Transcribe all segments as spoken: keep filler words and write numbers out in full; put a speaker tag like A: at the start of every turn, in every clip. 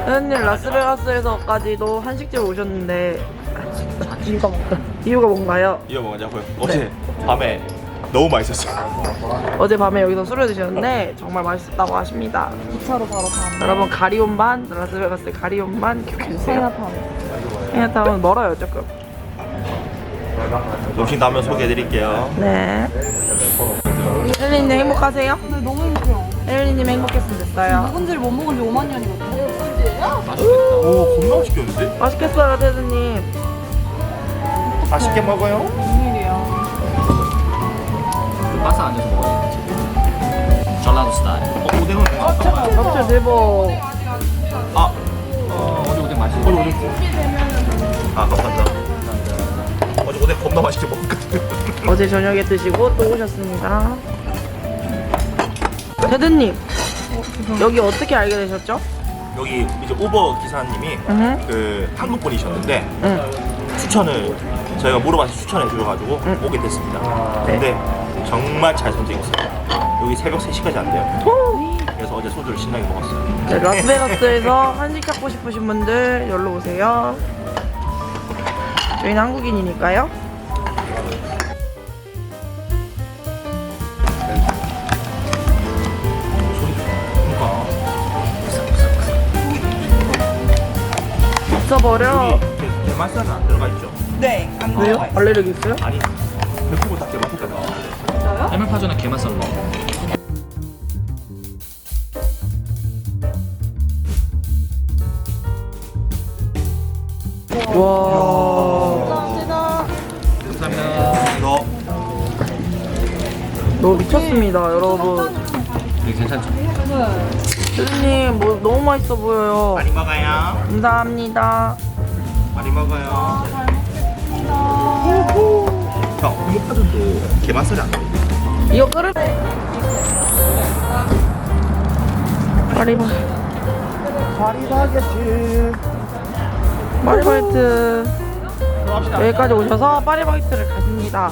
A: 회원님 라스베가스에서까지도 한식집 오셨는데 이유가 뭔가 이유가 뭔가요?
B: 이거 뭐냐고요? 어제 밤에 너무 맛있었어요.
A: 어제 밤에 여기서 술을 드셨는데 정말 맛있었다고 하십니다.
C: 이 차로 바로 가면
A: 여러분 가리온 반 라스베가스 가리온 반 기억해주세요.
C: 차이나타운.
A: 차이나타운 멀어요 조금.
B: 음식 나오면 소개해드릴게요.
A: 네. 혜린님 행복하세요?
C: 근데 너무 행복해요.
A: 혜린님 행복했으면 됐어요.
C: 묵은지를 못 먹은 지 오만 년이거든요.
B: 오, 겁나 맛있겠는데?
A: 맛있겠어요 태드님.
B: 맛있게 먹어요.
C: 웬일이야.
D: 바사 안에서 먹어야 돼. 전라도 스타일.
B: 어, 오뎅은
A: 잡채 대박.
B: 아,
D: 어, 어제 오뎅 맛있어.
B: 어제 오뎅. 아, 감사합니다. 어제 오뎅 겁나 맛있게 먹었거든요.
A: 어제 저녁에 드시고 또 오셨습니다. 태드님 여기 어떻게 알게 되셨죠?
B: 여기 이제 우버 기사님이
A: 응.
B: 그 한국 분이셨는데
A: 응.
B: 추천을 저희가 물어봐서 추천해 주셔가지고
A: 응.
B: 오게 됐습니다.
A: 네.
B: 근데 정말 잘 선택했어요. 여기 새벽 세 시까지 안 돼요.
A: 호!
B: 그래서 어제 소주를 신나게 먹었어요.
A: 네, 라스베가스에서 한식 찾고 싶으신 분들 여기로 오세요. 저희는 한국인이니까요. 없어버려.
B: 여기 게- 게맛살은 안 들어가 있죠?
C: 네, 안
A: 왜요?
C: 먹어요.
A: 알레르기 있어요?
B: 아니, 백구고 다 게맛살까지 나왔는데.
C: 진짜요?
D: 해물파전에 게맛살 넣어.
A: 와.
C: 감사합니다.
D: 감사합니다.
B: 너
A: 너무 미쳤습니다, 여러분.
D: 이게 괜찮죠?
A: 태드님 뭐 너무 맛있어 보여요.
B: 많이 먹어요.
A: 감사합니다.
B: 많이 먹어요. 형, 이거 파전도 게맛살이 안 나와요.
A: 이거 끓을 파리바
B: 파리바게트.
A: 파리바이트 여기까지 오셔서 파리바이트를 가십니다.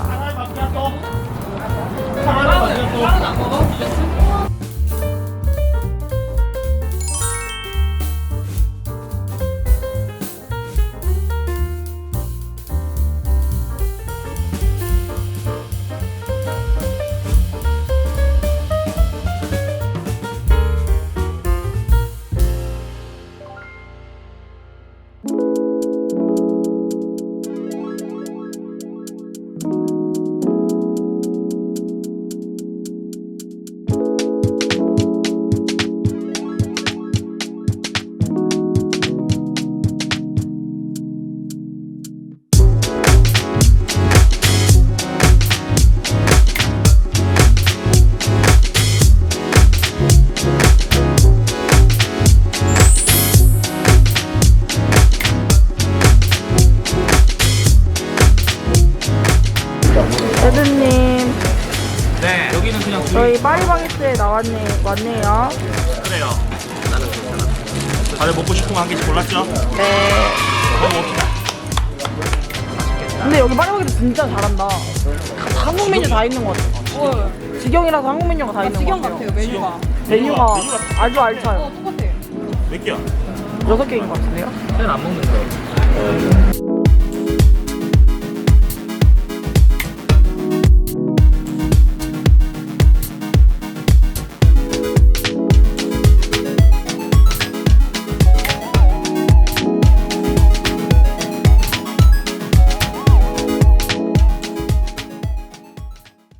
A: 태드님
D: 네. 여기는 그냥
A: 저희 파리바게트에 나왔네 왔네요.
B: 그래요. 나는 괜찮아. 다들 먹고 싶은 거 한 개씩 골랐죠?
A: 네.
B: 먹어봅시다.
A: 근데 여기 파리바게트 진짜 잘한다. 다 한국 메뉴 다 있는 것 같아. 직영이라서 한국 메뉴가 다 있는 것
C: 지경
A: 같아요.
C: 같아요, 메뉴가.
A: 메뉴가
B: 메뉴가
A: 아주
C: 어,
A: 알차요.
C: 똑같아요.
B: 몇 개야?
A: 여섯 개인 것 같은데요?
D: 쟤는 안 먹는 거.